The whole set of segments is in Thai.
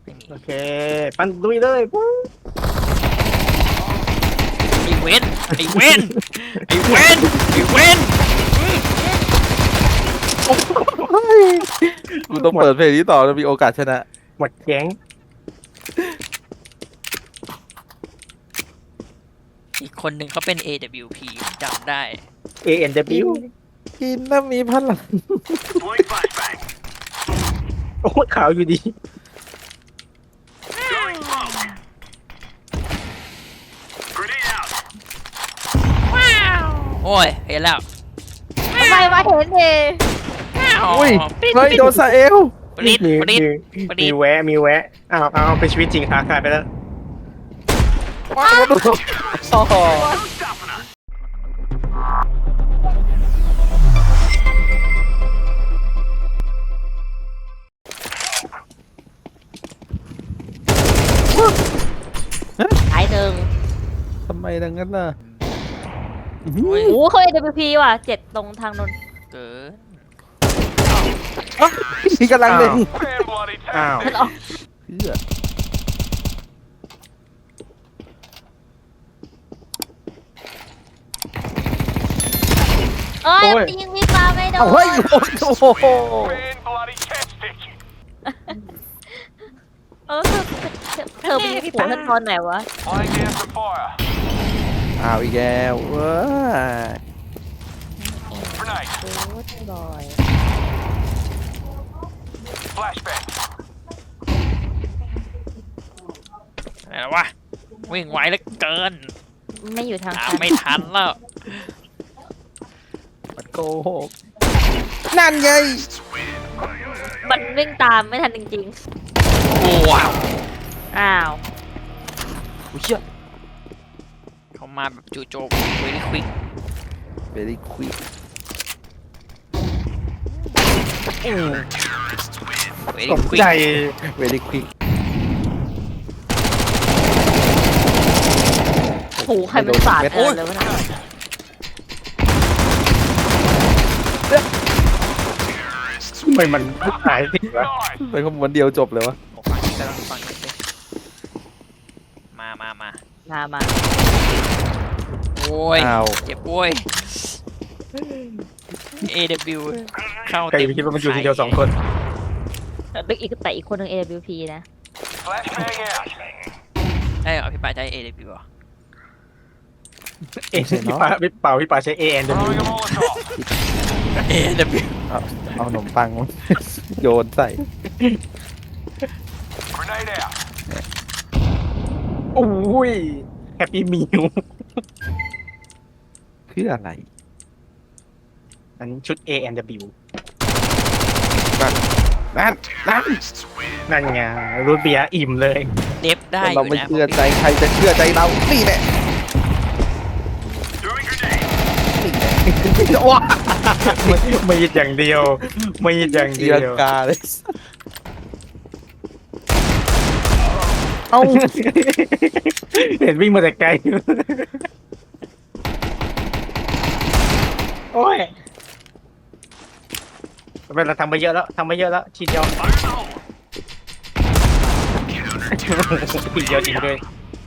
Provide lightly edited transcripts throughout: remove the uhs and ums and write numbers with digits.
โอเคปั้นลุยเลยปุ๊บไอเวนไอเวนไอเวนไอเวนกูต้องเปิดเพลงนี้ต่อจะมีโอกาสชนะหมดแก๊งอีกคนหนึ่งเขาเป็น AWP จำได้ ANW กินน้ำมีพลังโอ้ขาวอยู่ดีโอ้ยเห็นแล้วทำไมมาเห็นเองอุ้ยเฮ้ยโดนซาเอลปริ๊ดมีปริ๊ดมีปริ๊มีดแวะมีแวะเอาเป็นชีวิตจริงขาขาดไปแล้วโอ้โหหายหนึ่งทำไมดังนั้นน่ะโอ้ยโอ้เขา AWP ว่ะ7ตรงทางนนท์เกินนี่กำลังเล็งอ้าวมันออกเหี้ยเอ้ยโอ้ยยิงพี่ปาไม่โดนเอาเฮ้ยโอ้โหเออเธอไปยิงหัวฉันตอนไหนวะอ้าวอีกแล้วเว้ยโอ้ยบอยอะไรวะวิ่งไวเหลือเกินไม่อยู่ทางตามซ้ายไม่ทันแล้วมันโกหกนั่นไงมันวิ่งตามไม่ทันจริงโอ้ว้าวๆอ้าวอุ้ยเชี่ยเขามาแบบจู่โจมเวลี่ควิก very quick เวลี่ตกควิกใจ very quick โอ้โหใครมันสาดเออเลยวะนะทำไมมันหายสิวะเป็นขบวนเดียวจบเลยวะฝั่งนี้กำลังฟังนี้สิมามาโอ้ยอ้าวเจ็บโว้ย AW เข้าใครเต็มจะไปคิดว่ามันอยู่ทีเดียว2 คนแต่อีกคนหนึ่ง AWP นะได้เหรอพี่ปาใช้ AW เหรอพี่ป่าใช้ ANW AW เอาขนมปังมา โยนใส่โอ้ยแฮปปี้มิวเพื่ออะไรอันนี้ชุด ANW นั่นนั่นนั่นไงรูทเบียร์อิ่มเลยเดฟได้อเรายู่ไม่นะเชื่อใจใครจะเชื่อใจเรานี่แหละว้าไม่ยิดอย่างเดียวไม่ยิดอย่างตีเดียลังวกาเลยเอ้าเห็นวิ่งมาแต่ไกลโอ้ยเราทำไปเยอะแล้วทีเดียวทีเดียวจริงด้วย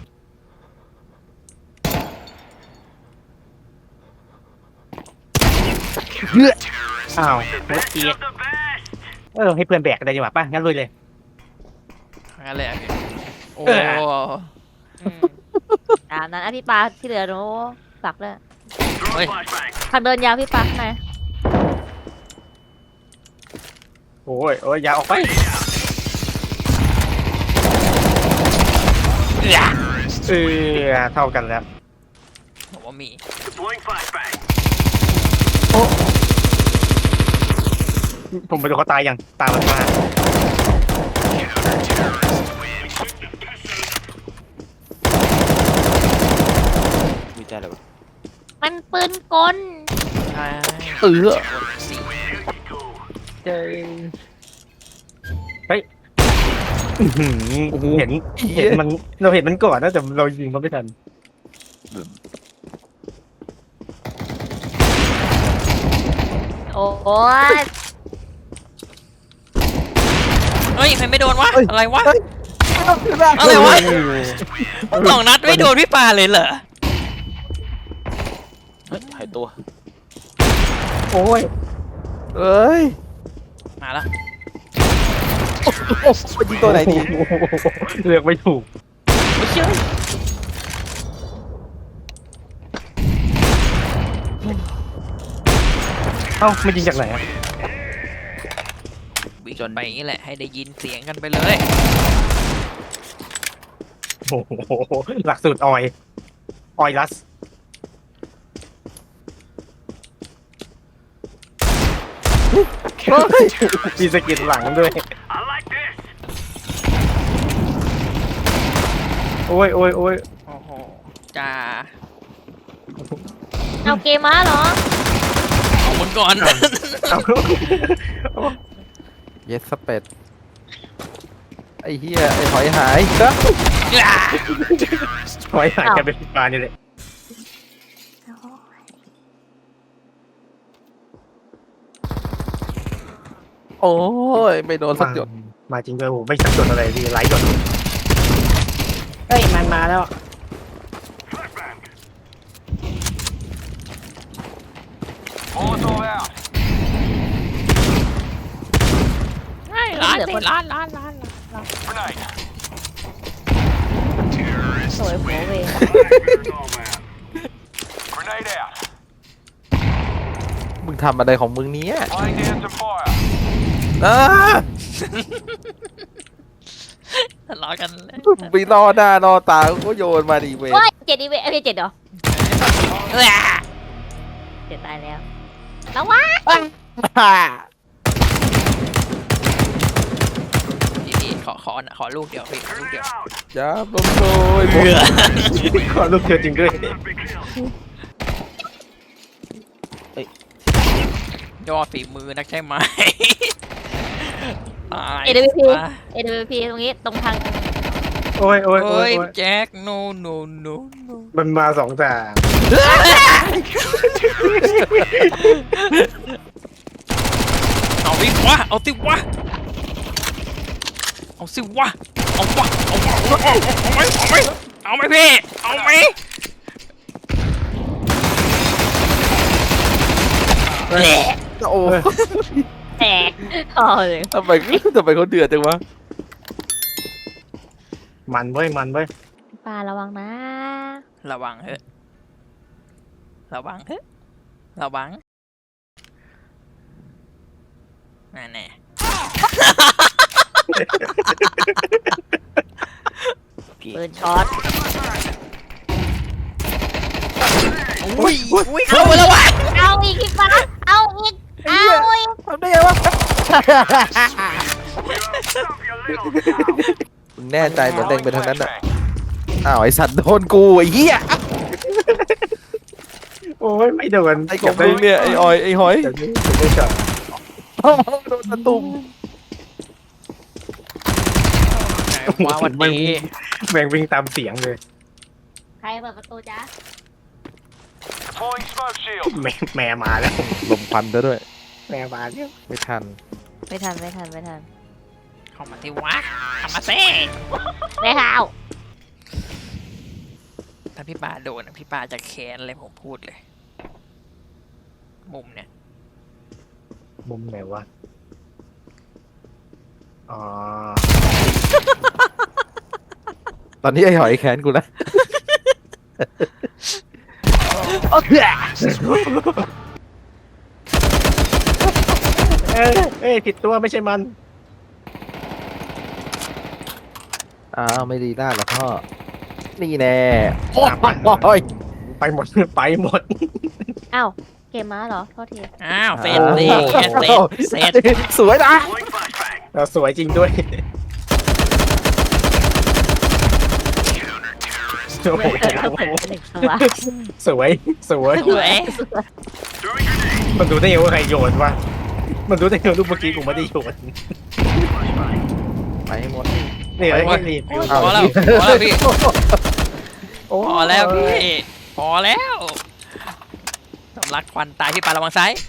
เพื่ออ้าวเมื่อกี้ให้เพื่อนแบกได้ดีกว่าป่ะงั้นลุยเลยงั้นเลยอ่ะพี่โอ้เอออืมตามนั้นอ่ะพี่ปาที่เหลือโน้ฝักเลยเฮ้ยทางเดินยาวพี่ปาข้างในโอ้ยอย่าออกไป เท่ากันแล้วผมว่ามีผมไปดูเขาตายยังตามมันมามีใจอะไรวะมันปืนกลใช่เออสี่เห็นมันเราเห็นมันก่อนนะแต่เรายิงมันไม่ทันโอ้ยเฮ้ยใครไม่โดนวะ อะไรวะเฮ้ยอะไรวะ2 นัดไม่โดนพี่ปาเลยเหรอเฮ้ยหายตัวโอ้ยเอ้ยมาแล้วโอ้โหยิงตัวไหนดีเลือกไม่ถูกไม่เชื่อเอ้าไม่ยิงจากไหนอะวิ่งไปอย่างนี้แหละให้ได้ยินเสียงกันไปเลยโอ้โหหลักสูตรออยลัสมีสกินหลังด้วยโอ้ยโอ้ยโอ้ยโอ้โหจ้าเอาเกมมาเหรอเอาบนก่อนเอ้าเยสเปดไอ้เหี้ยไอ้หอยหายครับไว้หายกันเป็นปลานี่แหละโอ้ยไม่โดนสักหยดมาจริงด้วยโอ้ไม่สักจดอะไรดีไลท์จดเฮ้ยมันมาแล้วร้านร้านสวยโผเวมึงทำอะไรของมึงเนี้ยทะเลาะกันเลยไปรอหน้ารอตาก็โยนมาดิเว้ยโอ้ย7 อีเวนต์เอ้ย7เหรอ7ตายแล้วระวังพี่ขอลูกเดียวพี่ลูกเดียวจ้าบลมโดยขอลูกเธอจริงด้วยยอดฝีมือนักใช่ไหมตาย AWP AWP ตรงนี้ตรงทางโอ้ยโอ้ยโอ้เฮ้ยยโอ้ยแจ็ค no no no no มันมาสองทางเอาสิวะเอาสิวะเอาสิวะเอาวะเอาวะเอาไหมเอาไหมเอาไหมพี่เอาไหมโอ้แตกอ๋อเลยทำไมเขาเดือดจังวะมันเว้ยมันเว้ยปลาระวังนะระวังเถอะระวังเถอะระวังนั่นแน่ปืนช็อตอุ้ยอุ้ยเข้าไปแล้ววะเอาอีกพี่ปลาเอาอีกเอาอีกทำได้ไงวะมึงแน่ใจเหมือนเล็งไปทางนั้นอ่ะอ้าวไอสัตว์โดนกูไอ้เหี้ยโอ้ยไม่โดนไอ้ของมึงเนี่ยไอ้ออยไอ้หอยเดี๋ยวนี้เดี๋ยวนี้ช็อตโดนตะตุ่มว้าวันนี้แม่งวิ่งตามเสียงเลยใครเปิดประตูจ๊ะแม่มาแล้วลมควันซะด้วยแม่มาแล้วไม่ทันไม่ทันไม่ทันไม่ทันเข้ามาสิวะเข้ามาสิไม่เท้าถ้าพี่ปาโดนอะพี่ปาจะแค้นเลยผมพูดเลย มุมเนี่ยมุมไหนวะอ๋อตอนนี้ไอ้หอยแค้นกูแล้วเอ้ยผิดตัวไม่ใช่มันอ้าวไม่ดีด้านหรอพ่อนี่แน่โอ้ยไปหมดไปหมดอ้าวเกมม้าเหรอโทษทีอ้าวเสร็จสิเสร็จสวยนะเราสวยจริงด้วยโอ้โหหนึ่งตัวสวยสวยสวยมันดูได้ไงว่าใครโยนวะมันดูได้ไงว่าลูกเมื่อกี้กูไม่ได้โยนไปให้หมดนี่ไอ้นี่พอแล้วพอแล้วพี่โอ้พอแล้วพี่พอแล้วสำลักควันตายพี่ปาระวังซ้าย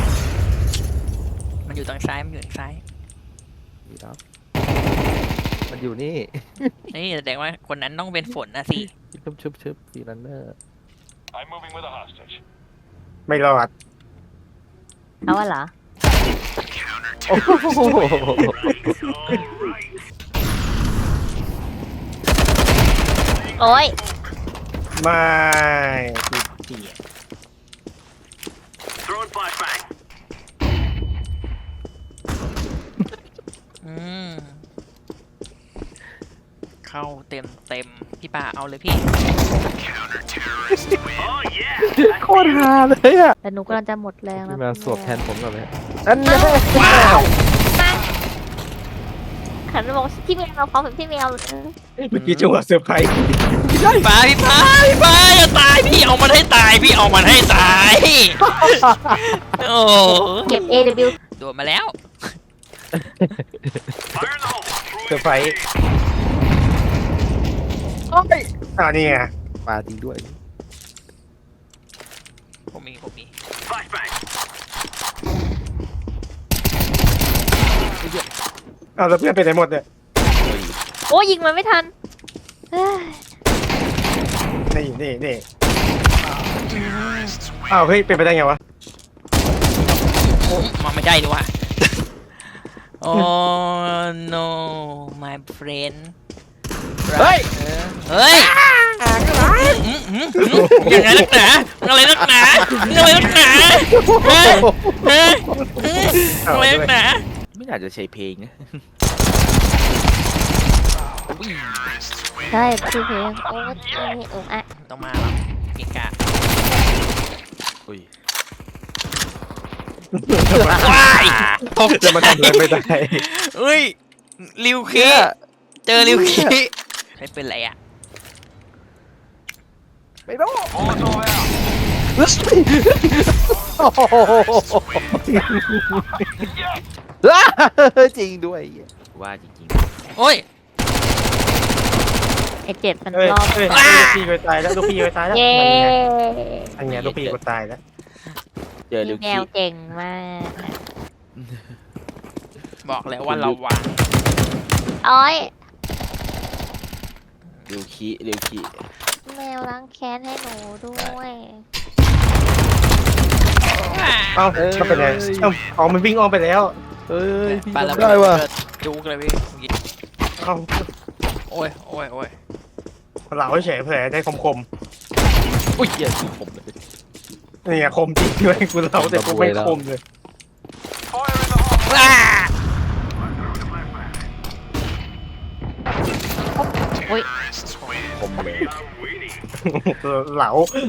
มันอยู่ทางซ้ายมันอยู่ทางซ้ายดีแล้วมันอยู่นี่นี่แสดงว่าคนนั้นต้องเป็นฝนนะสิชึบฟีรันเนอร์ I'm moving with a hostage. ไม่รอดเอาวะเหรอโอ้โหโอ้ยไม่เกีย Throwing flashbang. อืมเข้าเต็มพี่ปาเอาเลยพี่ Oh yeah. โคตรฮาเลยอ่ะแต่หนูกำลังจะหมดแรงแล้วพี่มาสวบแทนผมก่อนเลยนั่นแน่ว้าวขันบอกพี่เมียเราพร้อมพี่เมียเมื่อกี้จังหวะเซอร์ไพรส์พี่ปาอย่าตายพี่เอามันให้ตายพี่เอามันให้ตายโอ้เก็บ AW โดนมาแล้ว Fire in the hole. เซอร์ไพรส์นี่ไงมาจริงด้วยผมมี Flashbang. เอาแล้วเพื่อนไปไหนหมดเนี่ยโอ้ยิงมันไม่ทันเฮ้ยนี่อ้าวเฮ้ยเป็นไปได้ไงวะมันไม่ได้ดีว่ะ Oh no my friend เฮ้ยเฮ้ยยังไงนักหนาอะไรนักหนาอะไรนักหนาอะไรนักหนาไม่อยากจะใช้เพลงนะใช่คือเพลงโอ้ยโอ้อะต้องมาแล้วเก่งกะอุ้ยว้ายตกจะมาทำอะไรไม่ได้เฮ้ยริวคีเจอริวคีใช้เป็นไรอ่ะไม่รู้ Molotov out. จริงด้วยว่าจริงโอ้ยไอเจ็ดมันเอ้ยรอบลูกพี่ไปตายแล้วลูกพี่ไปตายแล้วเย้อันนี้ลูกพี่กูตายแล้วๆเจอลิวแมคิวเก่งมากบอกแล้วว่าระวังโอ้ยลิวคิแมวล้างแค้นให้หนูด้วยเอ้ามันเป็นไงเอ้าอ๋อมันวิ่งอ้อมไปแล้วเอ้ยพี่ปาระทำเบิได้ว่ะจุกเลยพี่เอ้าโอ้ยเหลาเฉยเผยได้คมอุ้ยเหี้ยคือผมเลยๆนี่ไงคมจริงด้วยกูเหลาแต่กูไม่คมเลย Fire in the hole. ว้าผมเลยเหลา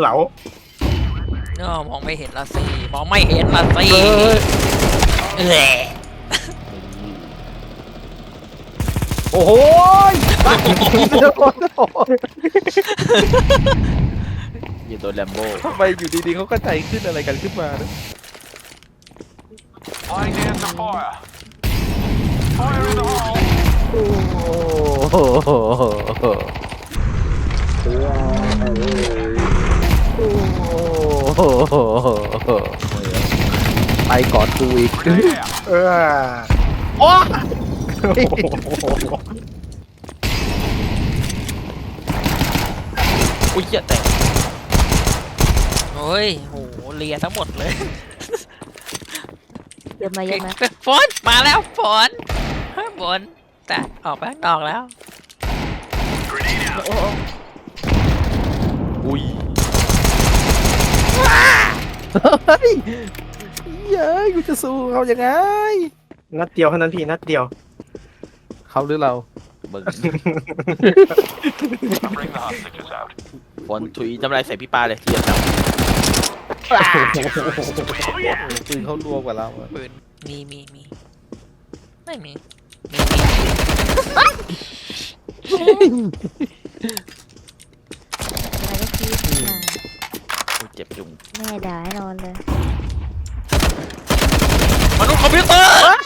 เนาะมองไม่เห็นละสิมองไม่เห็นละสิแหละโอ้โหอย่าโดนแลมโบ้ทำไมอยู่ดีๆเขาก็ใจขึ้นอะไรกันขึ้นมานะ Flying down to fire. Fire in the hole. โอ้โหไปกอดกูอีก Grenade out. โอ้อุ้ยเหี้ยแตกโอ้ยโหเลียทั้งหมดเลยเยอะมาเยอะมาฝนมาแล้วฝนแต่ออกไปข้างนอกแล้ว Grenade out. อุ้ยเฮ้ยเย้ยกูจะสู้เขายังไงนัดเดียวเท่านั้นพี่นัดเดียวเขาหรือเราเบิ่ง Bring the hostages out. บอลถุยทำลายใส่พี่ปาเลยทีเดียวจับ Oh yeah. ปืนเขารัวกว่าเราอะปืนมีไม่มีอะไรก็คิดมาเจ็บจุงแม่ด่าให้นอนเลยมนุษย์คอมพิวเตอร์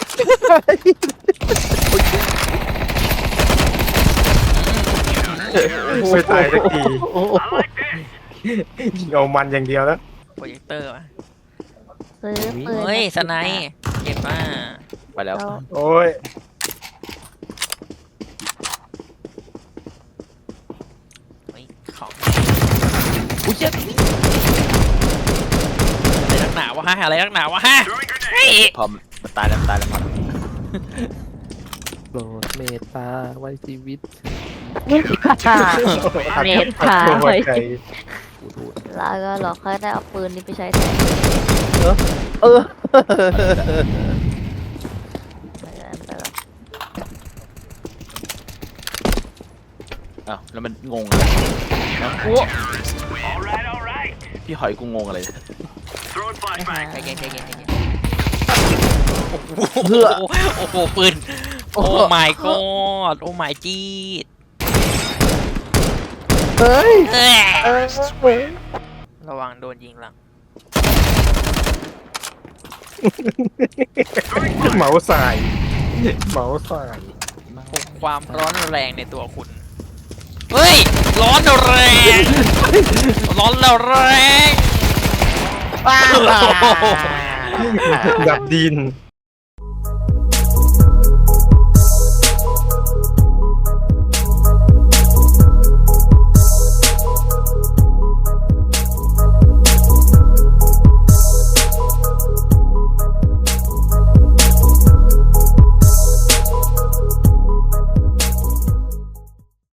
ไม่ตายสักทีโอ้โหยิงเอามันอย่างเดียวแล้วโปรเจคเตอร์วะซื้อปืนเฮ้ยสไนป์เก็บมาไปแล้วเราโอ้ยของอุ้ยเจ็บอะไรนักหนาวะฮะอะไรนักหนาวะฮะเฮ้ยพอมันตายแล้วมันตายแล้วมันโปรดเมตตาไว้ชีวิตเมตตาไว้ใจแล้วก็เราค่อยได้เอาปืนนี้ไปใช้แทนเออไปหรอกอ้าวแล้วมันงงอะไรนะ All right. พี่หอยกูงงอะไร Throwing ใจ flashbang. เย็นใจเย็นใจเย็นโอ้โหปืนโอ้ my god โอ้ my จีดเฮ้ยระวังโดนยิงหลังเหมาสายเหมาสายความร้อนแรงในตัวคุณเฮ้ยร้อนแรงร้อนแล้วแรงดับดิน